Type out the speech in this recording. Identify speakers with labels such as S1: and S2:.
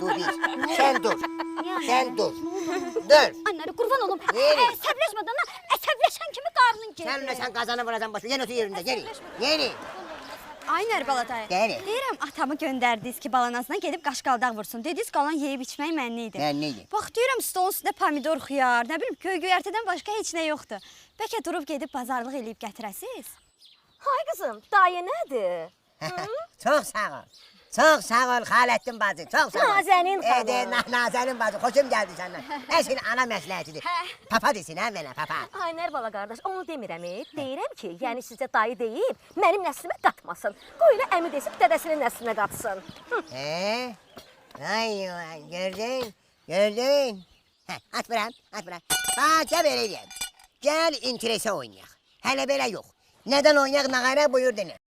S1: Bu bir. Sen dur.
S2: Yani.
S1: Sen dur. Dur.
S2: Anları kurban olum.
S1: Yeri.
S2: Əsəbləşmədən lan. Əsəbləşən kimi qarnın gedir.
S1: Sen kazanı vuracaksın başı. Yeni otur yerinde. Yeni.
S2: Ay Nərbala dayı.
S1: Geri.
S2: Deyirəm atamı göndərdiniz ki, balanasına gedib qaşqaldaq vursun. Dediniz qalan yeyib içmək mənli idi.
S1: Mənli idi.
S2: Bax deyirəm stolun üstündə pomidor, xiyar, nə bilim göy-göyərtədən başqa heç nə yoxdur. Bəlkə durub gedib bazarlıq eləyib gətirəsiz?
S3: Hay qızım, dayı nədir?
S1: Çok sağ ol. Çok sağ ol Halettin bacı. Çok sağ ol.
S3: Nazenin xanım.
S1: Nazenin bacı. Hoşum geldi senden. Eşin ana məsləhətidir. Papa desin ha mənə papa.
S3: Ay Nərbala qardaş, onu demirəm. Deyirəm ki, yəni sizə dayı deyib, mənim nəslimə qatmasın. Qoy elə əmi desib dədəsinin nəslinə qatsın.
S1: Ay gördün. Gördün. At bırak. Bak gel vereyim. Gel interese oynayaq. Hələ belə yox. Neden oynayaq nağara buyur dene.